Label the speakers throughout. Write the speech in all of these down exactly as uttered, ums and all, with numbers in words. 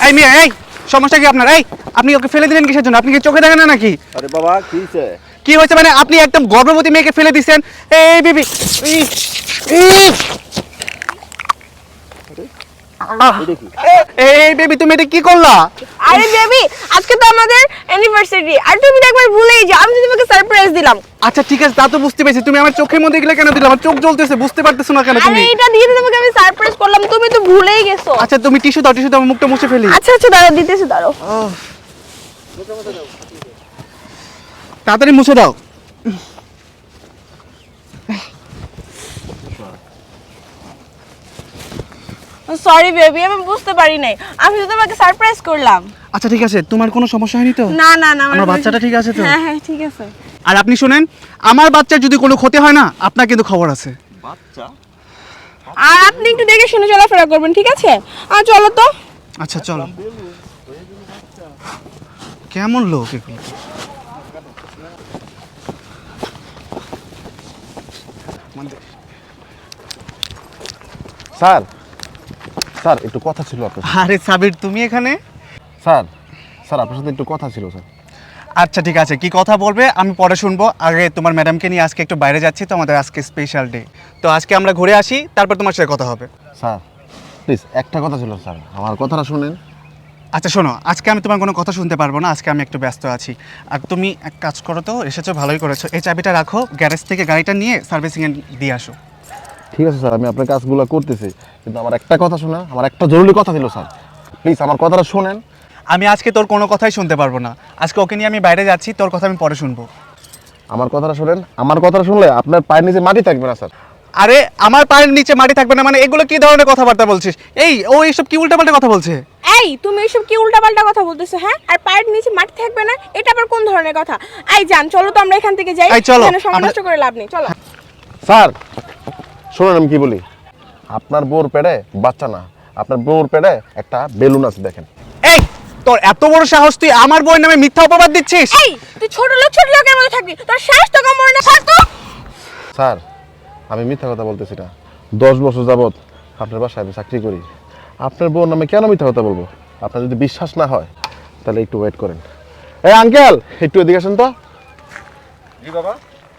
Speaker 1: এই মেয়ে, এই সমস্যা কি আপনার? এই আপনি ওকে ফেলে দিলেন কিসের জন্য? আপনি কি চোখে দেখেন না নাকি?
Speaker 2: আরে বাবা কি হইছে?
Speaker 1: কি হয়েছে মানে? আপনি একদম গর্ভবতী মেয়েকে ফেলে দিচ্ছেন। এই বেবি, এই বেবি তুমি এটা কি করলা?
Speaker 3: আরে বেবি, আজকে তো আমাদের অ্যানিভার্সারি, আর তুমি তো একবার ভুলেই যাও। আমি তো তোমাকে সারপ্রাইজ দিলাম।
Speaker 1: আচ্ছা ঠিক আছে, তা তো বুঝতে পেরেছি। তুমি আমার চোখের মধ্যে গেলে কেন দিলে? আমার চোখ জ্বলতেছে, বুঝতে পারতেছো না কেন
Speaker 3: আরে
Speaker 1: তুমি?
Speaker 3: এটা দিয়ে তো তোমাকে আমি সারপ্রাইজ করলাম, তুমি তো ভুলেই গেছো।
Speaker 1: আচ্ছা তুমি টিস্যু দাও, টিস্যু দাও, আমার মুখটা মুছে ফেলি।
Speaker 3: আচ্ছা আচ্ছা দাঁড়াও, দিতেছি দাঁড়াও।
Speaker 1: তাড়াতাড়ি মুছে দাও।
Speaker 3: সরি বেবি, আমি বুঝতে পারি নাই। আমি তো তোমাকে সারপ্রাইজ করলাম।
Speaker 1: আচ্ছা ঠিক আছে, তোমার কোনো সমস্যা হয়নি তো?
Speaker 3: না না না,
Speaker 1: আমার বাচ্চাটা ঠিক আছে তো?
Speaker 3: হ্যাঁ হ্যাঁ ঠিক আছে।
Speaker 1: আর আপনি শুনেন, আমার বাচ্চার যদি কোনো ক্ষতি হয় না, আপনার কিন্তু খবর আছে।
Speaker 2: বাচ্চা?
Speaker 3: আর আপনি একটু দেখে শুনে চলাফেরা করবেন, ঠিক আছে? আর চলো তো।
Speaker 1: আচ্ছা চলো। কেমন লোক এগুলো?
Speaker 2: স্যার স্যার একটু কথা ছিল আপনার সাথে।
Speaker 1: আরে সাবির, তুমি এখানে?
Speaker 2: স্যার স্যার আপনার সাথে একটু কথা ছিল স্যার।
Speaker 1: আচ্ছা ঠিক আছে, কি কথা বলবে আমি পরে শুনবো। আগে তোমার ম্যাডামকে নিয়ে আজকে একটু বাইরে যাচ্ছি, তো আমাদের আজকে স্পেশাল ডে। তো আজকে আমরা ঘুরে আসি, তারপর তোমার সাথে কথা হবে।
Speaker 2: স্যার প্লিজ একটা কথা ছিল স্যার, আমার কথাটা শুনেন।
Speaker 1: আচ্ছা শোনো, আজকে আমি তোমার কোনো কথা শুনতে পারবো না, আজকে আমি একটু ব্যস্ত আছি। আর তুমি এক কাজ করো তো, এসেছো ভালোই করেছো। এই চাবিটা রাখো, গ্যারেজ থেকে গাড়িটা নিয়ে সার্ভিসিংয়ে দিয়ে আসো।
Speaker 2: ঠিক আছে স্যার, আমি আপনার কাজগুলো করতেছি, কিন্তু আমার একটা কথা শোনা, আমার একটা জরুরি কথা ছিল স্যার, প্লিজ আমার কথাটা শুনেন।
Speaker 1: আমি আজকে তোর কোনো কথাই শুনতে পারবো না। আজকে ওকে নিয়ে আমি বাইরে যাচ্ছি, তোর কথা আমি পরে শুনবো।
Speaker 2: আমার কথাটা শুনেন, আমার কথাটা শুনলে আপনার পায়ের নিচে মাটি থাকবে না স্যার।
Speaker 1: আরে আমার পায়ের নিচে মাটি থাকবে না মানে? এগুলো কি ধরনের কথাবার্তা বলছিস? এই ও এইসব কি উল্টাপাল্টা কথা বলছে?
Speaker 3: এই তুমি এসব কি উল্টাপাল্টা কথা বলতেছো? হ্যাঁ, আর পায়ের নিচে মাটি থাকবে না, এটা আবার কোন ধরনের কথা? এই জান, চলো তো আমরা এখান থেকে যাই।
Speaker 1: এই চলো,
Speaker 3: এখানে সময়
Speaker 1: আমরা-
Speaker 3: নষ্ট করে লাভ নেই, চলো।
Speaker 2: স্যার শুনুন আমি কি বলি, আপনার বউর পেটে বাচ্চা না, আপনার বউর পেটে একটা বেলুন আছে দেখেন।
Speaker 1: এই তোর এত বড় সাহস, তুই আমার বউয়ের নামে মিথ্যা অপবাদ দিচ্ছিস?
Speaker 3: এই তুই ছোট লোক ছোট লোকের মতো থাকবি, তোর সাহস তো কম মরে না থাকতো।
Speaker 2: স্যার আমি মিথ্যা কথা বলতেছি না, দশ বছর যাবৎ আপনার বাসায় আমি চাকরি করি, আপনার বউর নামে কেন মিথ্যা কথা বলবো? আপনার যদি বিশ্বাস না হয় তাহলে একটু ওয়েট করেন। এই আঙ্কেল একটু এদিকে আসেন তো।
Speaker 4: জি বাবা।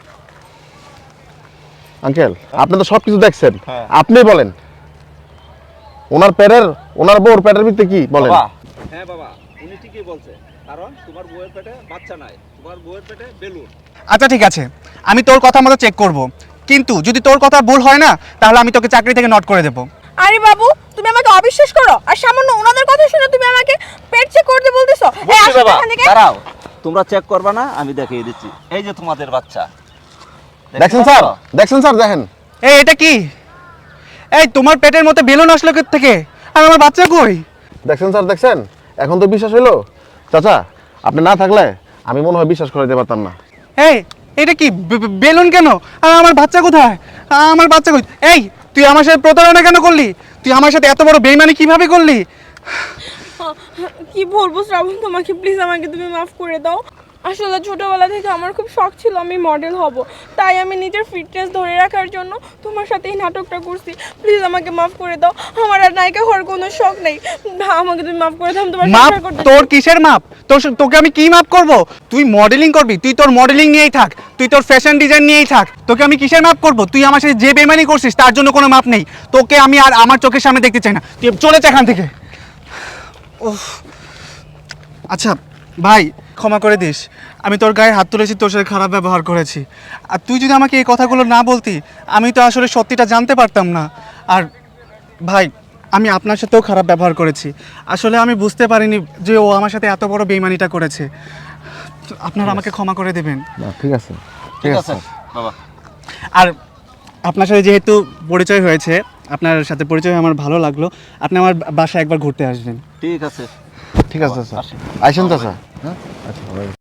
Speaker 2: আঙ্কেল আপনি তো সব কিছু দেখছেন,
Speaker 4: হ্যাঁ।
Speaker 2: আপনি বলেন ওনার পেটের, ওনার বউর পেটের ভিতরে কি বলেন?
Speaker 4: বাবা, হ্যাঁ বাবা, উনি ঠিকই বলছে, কারণ তোমার বউয়ের পেটে বাচ্চা নাই, তোমার বউয়ের পেটে বেলুন।
Speaker 1: আচ্ছা ঠিক আছে, আমি তোর কথা মতো চেক করব, কিন্তু যদি তোর কথা ভুল হয় না, তাহলে আমি তোকে চাকরি থেকে নট করে দেবো।
Speaker 3: আরে বাবু, তুমি আমাকে অবিশ্বাস করো, আর সামান্য ওনাদের কথা শুনে তুমি আমাকে পেট চেক করতে বলতেছো? এই
Speaker 4: বুঝছি
Speaker 3: আসো তো
Speaker 4: বাবা,
Speaker 3: এখান থেকে।
Speaker 4: দাঁড়াও, তোমরা চেক করবে না, আমি দেখিয়ে দিচ্ছি। এই যে তোমাদের বাচ্চা
Speaker 2: দেখছেন স্যার, দেখছেন স্যার, দেখেন।
Speaker 1: এই এটা কি? এই তোমার পেটের মধ্যে বেলুন আসলো কোথা থেকে? আর আমার বাচ্চা কই?
Speaker 2: দেখছেন স্যার, দেখছেন, এখন তো বিশ্বাস হইলো। চাচা আপনি না থাকলে আমি মনে হয় বিশ্বাস করে দিতে পারতাম না।
Speaker 1: এই এটা কি বে- বে- বেলুন কেন? আর আমার বাচ্চা কোথায়? আমার বাচ্চা কই? এই তুই আমার সাথে প্রতারণা কেন করলি? তুই আমার সাথে এত বড় বেইমানি কিভাবে করলি?
Speaker 3: কি বলবো শ্রাবণ, তোমাকে প্লিজ আমাকে তুমি মাফ করে দাও। আসলে ছোটবেলা থেকে আমার খুব শখ ছিল আমি মডেল হব, তাই আমি নিজের ফিটনেস ধরে রাখার জন্য তোমার সাথে এই নাটকটা করছি। প্লিজ আমাকে মাফ করে দাও, আমার আর নায়িকা হওয়ার কোনো শখ নেই। আমাকে তুমি মাফ করে দাও, আমি তোমার
Speaker 1: মাপ?
Speaker 3: সংসার করতে
Speaker 1: তোর
Speaker 3: চাই।
Speaker 1: কিসের মাপ? তোর স- তোকে আমি কি মাপ করব? তুই মডেলিং করবি, তুই তোর মডেলিং নিয়েই থাক, তুই তোর ফ্যাশন ডিজাইন নিয়েই থাক। তোকে আমি কিসের মাপ করব? তুই আমার সাথে যে বেইমানি করছিস তার জন্য কোনো মাপ নেই। তোকে আমি আর আমার চোখের সামনে দেখতে চাই না, তুই চলে যা এখান থেকে। উফ। আচ্ছা ভাই, ক্ষমা করে দিস, আমি তোর গায়ে হাত তুলেছি, তোর সাথে খারাপ ব্যবহার করেছি। আর তুই যদি আমাকে এই কথাগুলো না বলতি, আমি তো আসলে সত্যিটা জানতে পারতাম না। আর ভাই, আমি আপনার সাথেও খারাপ ব্যবহার করেছি, আসলে আমি বুঝতে পারিনি যে ও আমার সাথে এত বড় বেইমানিটা করেছে। আপনারা আমাকে ক্ষমা করে দেবেন।
Speaker 2: না ঠিক আছে,
Speaker 4: ঠিক আছে বাবা।
Speaker 1: আর আপনার সাথে যেহেতু পরিচয় হয়েছে, আপনার সাথে পরিচয় হয়ে আমার ভালো লাগলো। আপনি আমার বাসায় একবার ঘুরতে আসবেন।
Speaker 4: ঠিক আছে,
Speaker 2: ঠিক আছে স্যার,
Speaker 4: আসি।
Speaker 2: আইসেন চাচা। হ্যাঁ আচ্ছা।